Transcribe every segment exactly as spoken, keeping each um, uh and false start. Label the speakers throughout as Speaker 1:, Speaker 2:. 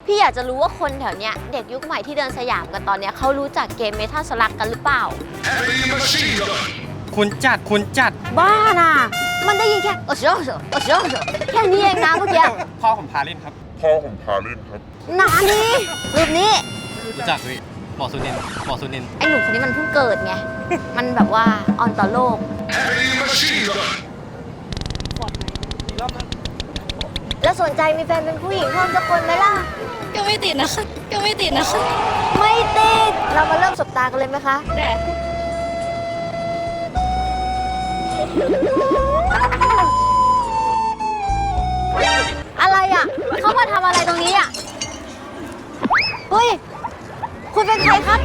Speaker 1: พี่อยากจะรู้ว่าคนแถวเนี้ยเด็กยุคใหม่ที่เดินสยามกันตอนเนี้ยเขารู้จักเกมเมทัลสลักกันหรือเปล่า
Speaker 2: คุณจัดคุณจัด
Speaker 1: บ้าน่ะมันได้ยินแค่โอ้โหโอ้โหแค่นี้เองนะเมื่อกี้
Speaker 2: พ่อผมพาเล่นครับ
Speaker 3: พ่อผมพาเล่นครับ
Speaker 1: หนานี้รูปนี้
Speaker 2: รู้จักพี่หมอสุนินหมอสุนิน
Speaker 1: ไอ้หนุ่มคนนี้มันเพิ่งเกิดไงมันแบบว่าอ่อนต่อโลกแล้วสนใจมีแฟนเป็นผู้หญิงเพิ่มสักคนไหมล่ะ
Speaker 4: ก็ไม่ติดนะคะก็ไม่ติดนะคะ
Speaker 1: ไม่ติดเรามาเริ่มสบตากันเลยไหมคะ
Speaker 4: ได้
Speaker 1: อะไรอ่ะเขามาทำอะไรตรงนี้อ่ะเฮ้ยคุณเป็นใครครับ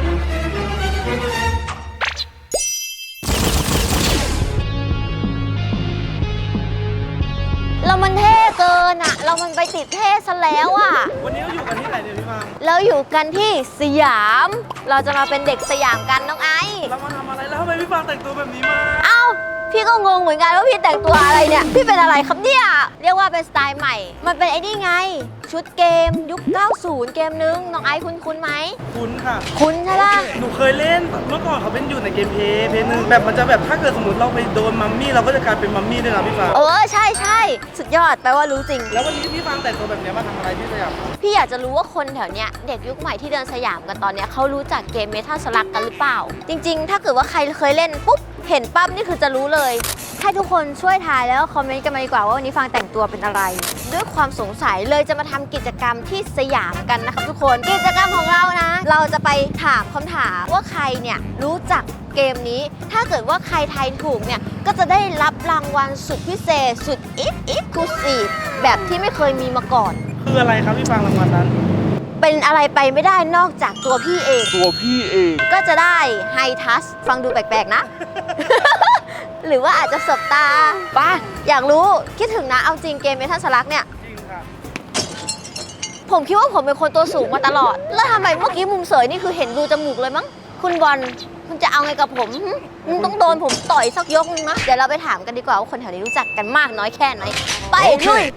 Speaker 1: เรามันเท่เกินอ่ะเรามันไปติดเท่ซะแล้วอ่ะ
Speaker 2: วันนี้เราอยู่กันที่ไหนเนี่ยพี่ฟัง
Speaker 1: เราอยู่กันที่สยามเราจะมาเป็นเด็กสยามกันน้องไอ
Speaker 2: เรามาทำอะไรแล้วทำไมพี่ฟังแต่งตัวแบบนี้มา
Speaker 1: เอ้าพี่ก็งงเหมือนกันว่าพี่แต่งตัวอะไรเนี่ยพี่เป็นอะไรครับเนี่ยเรียกว่าเป็นสไตล์ใหม่มันเป็นไอ้นี่ไงชุดเกมยุคเก้าสิบเกมนึงน้องไอซ์คุ้นคุ้นไหม
Speaker 2: คุ้นค่ะ
Speaker 1: คุ้นใช่ป่ะ
Speaker 2: หนูเคยเล่นเมื่อก่อนเขาเป็นอยู่ในเกมเพย์เพย์นึงแบบมันจะแบบถ้าเกิดสมมติเราไปโดนมัมมี่เราก็จะกลายเป็นมัมมี่ด้วยนะพี่ฟัง
Speaker 1: เออใช่ใช่สุดยอดแปลว่ารู้จริง
Speaker 2: แล้ววันนี้พี่ฟังแต่งตัวแบบนี้มาทำอะไรที่สยาม
Speaker 1: พี่อยากจะรู้ว่าคนแถวเนี้ยเด็กยุคใหม่ที่เดินสยามกันตอนเนี้ยเขารู้จักเกมเมทัลสลักกันหรือเปล่าจริงๆถ้าเกิดว่าใครเคยเล่นปุ๊บเห็นปั๊บนี่คือจะรู้เลยให้ทุกคนช่วยทายแล้วคอมเมนต์กันมาดีกว่าว่าวันนี้ฟังแต่งตัวเป็นอะไรด้วยความสงสัยเลยจะมาทำกิจกรรมที่สยามกันนะครับทุกคนกิจกรรมของเรานะเราจะไปถามคำถามว่าใครเนี่ยรู้จักเกมนี้ถ้าเกิดว่าใครทายถูกเนี่ยก็จะได้รับรางวัลสุดพิเศษสุดอิฟอิฟคูซีฟแบบที่ไม่เคยมีมาก่อน
Speaker 2: คืออะไรครับพี่ฟังรางวัลนั้น
Speaker 1: เป็นอะไรไปไม่ได้นอกจากตัวพี่เอง
Speaker 3: ตัวพี่เอง
Speaker 1: ก็จะได้ไฮทัชฟังดูแปลกๆนะ หรือว่าอาจจะสบตาป่ะอยากรู้คิดถึงนะเอาจริงเกมเมทัลสลักเนี่ย
Speaker 2: จริงค่ะ
Speaker 1: ผมคิดว่าผมเป็นคนตัวสูงมาตลอดแล้วทำไมเมื่อกี้มุมเสยนี่คือเห็นรูจมูกเลยมั้งคุณบอลคุณจะเอาไงกับผมมึงต้องโดนผมต่อยสักยกนึงนะเดี๋ยวเราไปถามกันดีกว่าว่าคนแถวนี้รู้จักกันมากน้อยแค่ไหนไปลุย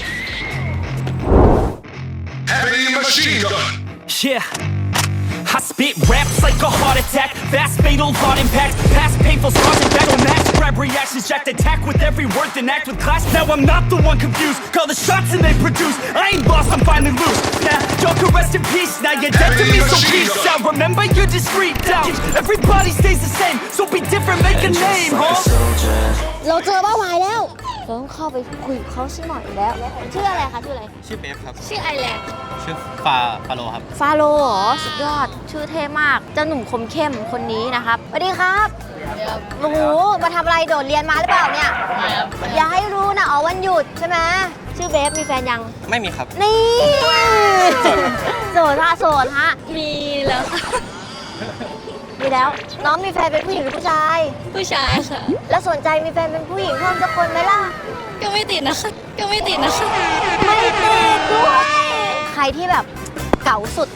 Speaker 5: Heavy machine gun. Yeah. I spit raps like a heart attack. Fast, fatal, hard impact. Past painful scars and battle max. Grab reactions, jacked attack with every word, then act with class. Now I'm not the one confused. Call the shots and they produce. I ain't lost, I'm finally loose. Now y'all can rest in peace. Now you're dead to me, so peace out. Remember you're discreet out. Everybody stays the same, so be different, make a name, huh?
Speaker 1: เราเจอเป้าหมายแล้วเราต้องเข้าไปคุยกับเขาสักหน่อยแล้วชื่ออะไรคะชื่ออะไร
Speaker 2: ชื่อเบฟครับ
Speaker 4: ชื่อไอแลนด์
Speaker 2: ชื่อฟาฟาโลครับ
Speaker 1: ฟาโลเหรอสุดยอดชื่อเท่มากเจ้าหนุ่มคมเข้มคนนี้นะครับสวัสดีครับโอ้โหมาทำอะไรโดดเรียนมาหรือเปล่าเนี่ยอย่าให้รู้นะอ๋อวันหยุดใช่ไหมชื่อเบฟมีแฟนยัง
Speaker 2: ไม่มีครับ
Speaker 1: นี่โสดฮะโสดฮะ
Speaker 4: มีแล้วค่ะ
Speaker 1: มีแล้วน้องมีแฟนเป็นผู้หญิงหรือผู้ชาย
Speaker 4: ผู้ชายค่ะ
Speaker 1: แล้วสนใจมีแฟนเป็นผู้หญิงเพิ่มสักคนไหมล่ะ
Speaker 4: ก็ไม่ติดนะคะก็ไม่ติดนะคะ
Speaker 1: ไม่ติดด้วยใครที่แบบเก๋าสุด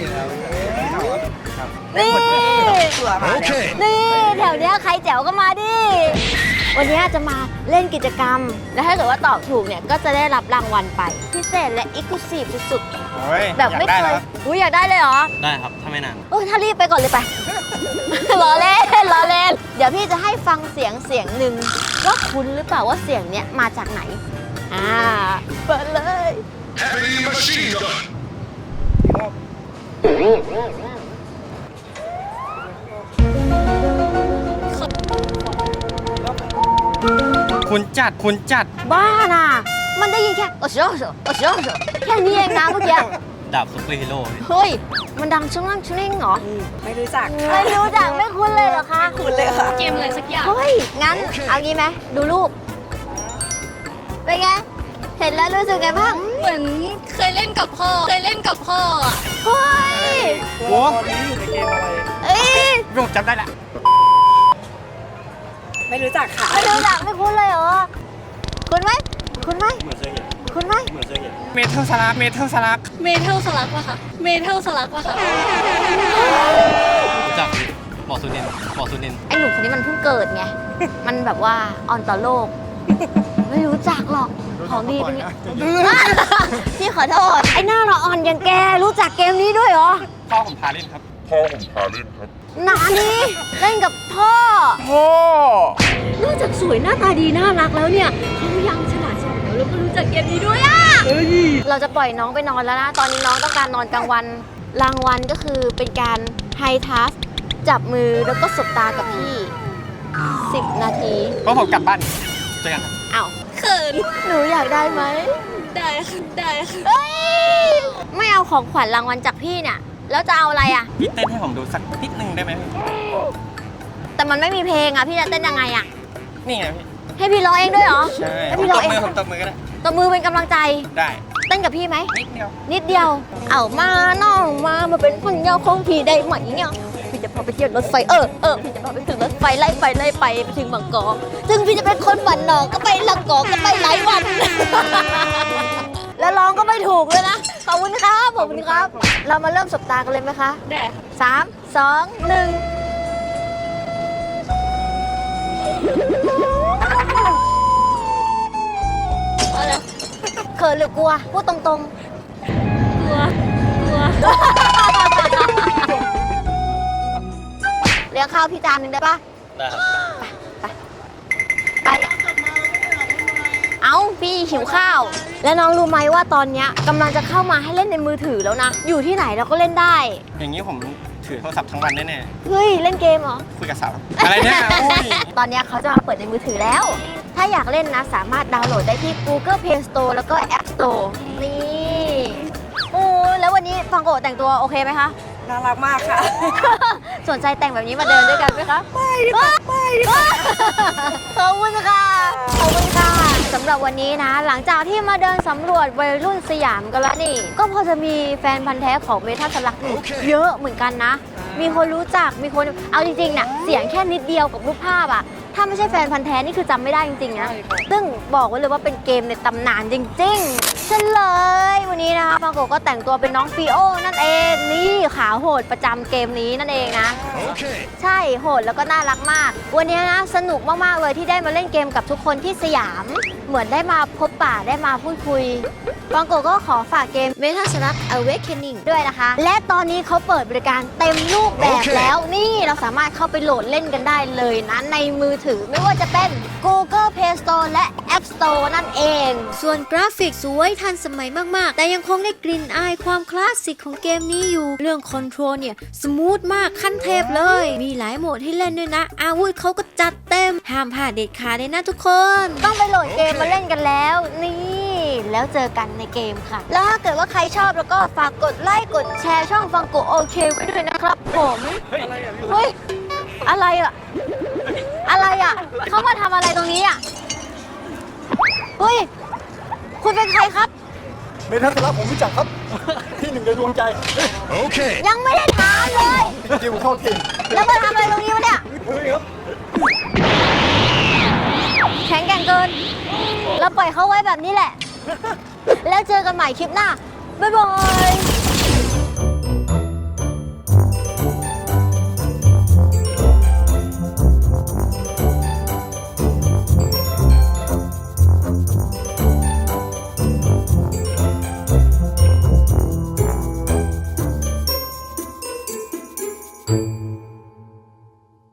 Speaker 1: นี่นี่แถวเนี้ยใครแจ๋วก็มาดิวันนี้จะมาเล่นกิจกรรมแล้วถ้าเกิดว่าตอบถูกเนี่ยก็จะได้รับรางวัลไปพิเศษและอีกซ์คลูซีฟสุดๆแบบไม่เคยอุ้ยอยากได้เลยเหรอ
Speaker 2: ได้ครับถ้าไม่นาน
Speaker 1: เออถ้ารีบไปก่อนเลยไปล้อเล่นล้อเล่นเดี๋ยวพี่จะให้ฟังเสียงเสียงหนึ่งว่าคุ้นหรือเปล่าว่าเสียงเนี้ยมาจากไหนอ่าเปิดเลย
Speaker 5: Heavy machine gun.
Speaker 2: คุณจัดคุณจัด
Speaker 1: บ้าน่ะมันได้ยินแค่โอ้โหโอ้โหแค่นี้เองนะเมื่อกี้
Speaker 2: ดาบซุปเปอร์ฮีโร่
Speaker 1: เฮ้ยมันดังชุ่งนั่งชุ่งเล่งเหรอ
Speaker 4: ไม่รู้จัก
Speaker 1: ไม่รู้จักไม่คุ้นเลยเหรอคะ
Speaker 4: คุ้นเลยค่ะเกมอะไรสักอย่าง
Speaker 1: เฮ้ยงั้นเอางี้ไหมดูรูปเป็นไงเห็นแล้วรู้สึกไงบ้าง
Speaker 4: เหมือนเคยเล่นกับพ่อเคยเล่นกับพ่ออ่ะ
Speaker 1: เฮ้ย
Speaker 2: โอ้ตอนนี้อยู่ในเกมอะไร
Speaker 1: เอ้ย
Speaker 2: รูปจำได้ละ
Speaker 4: ไม่รู้จักค่ะ
Speaker 1: ไม่รู้จักไม่คุ้นเลยเหรอคุ้นไหมคุ้นไหม
Speaker 2: เหมือนเคยเห็น
Speaker 1: คุ้นไหม
Speaker 2: เหมือนเคยเห็นเมทัลสลักเมทัลสลัก
Speaker 4: เมทัลสลักวะค่ะเมทัลสลักวะค่ะ
Speaker 2: รู้จักหมอสุนินหมอสุนิน
Speaker 1: ไอ้หนุ่มคนนี้มันเพิ่งเกิดไงมันแบบว่าอ่อนต่อโลกไม่รู้จักหรอกเขของดีเป็นไง พี่ขอโทษ ไอ้หน้าเราอ่อนอย่างแกรู้จักเกมนี้ด้วยเหรอ
Speaker 3: พ่อผมพาเล่นครับ พ่อผมพาเล่นครับ
Speaker 1: หนานี้เล่นกับพ่อ
Speaker 3: พ่อ
Speaker 1: นอกจากสวยหน้าตาดีน่ารักแล้วเนี่ยเขายังฉลาดเฉลียวแล้วก็รู้จักเกมนี้ด้วยอ่ะเราจะปล่อยน้องไปนอนแล้วนะ ตอนนี้น้องต้องการนอนกลางวัน รางวัลก็คือเป็นการไฮทัสจับมือแล้วก็สบตากับพี่สิบนาที
Speaker 6: เพราะผมกลับบ้านเจอกันครับ
Speaker 1: อ้าว
Speaker 4: เขิน
Speaker 1: หนูอยากได้ไหม
Speaker 4: ได้ค่ะได้ค่ะ
Speaker 1: เอ้ยไม่เอาของขวัญรางวัลจากพี่เนี่ยแล้วจะเอาอะไรอ่ะ
Speaker 6: พี่เต้นให้ผมดูสักนิดนึงได้ไหมพี่
Speaker 1: แต่มันไม่มีเพลงอ่ะพี่จะเต้นยังไงอ่ะ
Speaker 6: นี่ไงพี่
Speaker 1: ให้พี่ร้องเองด้วยเหรอ
Speaker 6: ใช่
Speaker 1: ให้
Speaker 6: ผม
Speaker 1: พี่
Speaker 6: ต
Speaker 1: ร้อง
Speaker 6: บ
Speaker 1: เอง
Speaker 6: มือผมตบมือก็ได้
Speaker 1: ตบมือเป็นกำลังใจ
Speaker 6: ได้
Speaker 1: เต้นกับพี่ไหม
Speaker 6: นิดเดียว
Speaker 1: นิดเดียว เอามาน้องมามาเป็นคนเงาของพี่ได้ไหมเนี่ยพี่จะพาไปเที่ยวรถไฟเออเออพี่จะพาไปถึงรถไฟไล่ไปไล่ไปไปถึงบางกอกถึงพี่จะเป็นคนบ้านนอกก็ไปลังกอกก็ไปหลายวัน แล้วร้องก็ไม่ถูกเลยนะขอบคุณครับขอบคุณครับ เรามาเริ่มสบตากันเลยไหมคะ
Speaker 4: ได้ค่ะ
Speaker 1: สามสองหนึ่งเขินหรือกลัวพูดตรงๆ
Speaker 4: กลัว กลัว
Speaker 1: เลี้ยงข้าวพี่จานหนึ่งได้ปะ
Speaker 6: ได้ครับ
Speaker 1: ไป เอาพี่หิวข้าว แล้วน้องรู้ไหมว่าตอนเนี้ยกำลังจะเข้ามาให้เล่นในมือถือแล้วนะ อยู่ที่ไหนเราก็เล่นได้
Speaker 6: อย่างนี้ผมถือโทรศัพท์ทั้งวันแน่
Speaker 1: เฮ้ย เล่นเกมเหรอ
Speaker 6: ๆคุยกับสาวอะไรเนี่ยอุ้ย
Speaker 1: ตอนเนี้ยเขาจะมาเปิดในมือถือแล้ว ถ้าอยากเล่นนะ สามารถดาวน์โหลดได้ที่ Google Play Store แล้วก็ App Store นี่โอ้แล้ววันนี้ฟังโกะแต่งตัวโอเคไหมคะ
Speaker 7: น่ารักมากค่ะ
Speaker 1: สนใจแต่งแบบนี้มาเดินด้วยกันไหมคะไม่ไม่ขอบคุณค่ะขอบคุณค่ะสำหรับวันนี้นะ หลังจากที่มาเดินสำรวจวัยรุ่นสยามกันแล้วนี่ ก็พอจะมีแฟนพันธ์แท้ของเมทัลสลักอยู่เยอะเหมือนกันนะ มีคนรู้จักมีคนเอาจริงๆน่ะเสียงแค่นิดเดียวกับรูปภาพอะถ้าไม่ใช่แฟนพันธ์แท้นี่คือจำไม่ได้จริงๆนะซึ่งบอกไว้เลยว่าเป็นเกมในตำนานจริงๆเฉลยวันนี้นะคะฟังโกะก็แต่งตัวเป็นน้องฟีโอนั่นเองนี่ขาโหดประจำเกมนี้นั่นเองนะ ใช่โหดแล้วก็น่ารักมาก วันนี้นะสนุกมากๆเลยที่ได้มาเล่นเกมกับทุกคนที่สยาม เหมือนได้มาพบปะได้มาพูดคุยฟังโกะก็ขอฝากเกม Metal Slug Awakening ด้วยนะคะ และตอนนี้เขาเปิดบริการเต็มรูปแบบแล้วนี่เราสามารถเข้าไปโหลดเล่นกันได้เลยนะในมือถือไม่ว่าจะเป็น Google Play Store และ App Store นั่นเอง ส่วนกราฟิกสวยทันสมัยมากๆ แต่ยังคงได้กลิ่นอายความคลาสสิกของเกมนี้อยู่ เรื่องคอนโทรลเนี่ยสมูทมากขั้นเทพเลย มีหลายโหมดให้เล่นด้วยนะ อาวุธเขาก็จัดเต็ม ห้ามพลาดเด็ดขาดเลยนะทุกคน ต้องไปโหลดเกมมาเล่นกันแล้ว นี่ แล้วเจอกันในเกมค่ะ แล้วถ้าเกิดว่าใครชอบแล้วก็ฝากกดไลค์กดแชร์ช่องฟังโกะโอเคไว้ด้วยนะครับผมเฮ้ยอะไรอะอะไรอะเขามาทำอะไรตรงนี้อะเฮ้ยคุณเป็นใครครับ
Speaker 8: เมทัลสลักผมรู้จักครับ ที่หนึ่งในดวงใจ
Speaker 1: ยังไม่ได้ถามเลย
Speaker 8: จิวเข้าทีม
Speaker 1: แล้วมาทำอะไรตรงนี้วะเนี่ย
Speaker 8: เฮ้ยครับ
Speaker 1: แข็งแกร่งเกิน เราปล่อยเขาไว้แบบนี้แหละ แล้วเจอกันใหม่คลิปหน้า บ๊ายบาย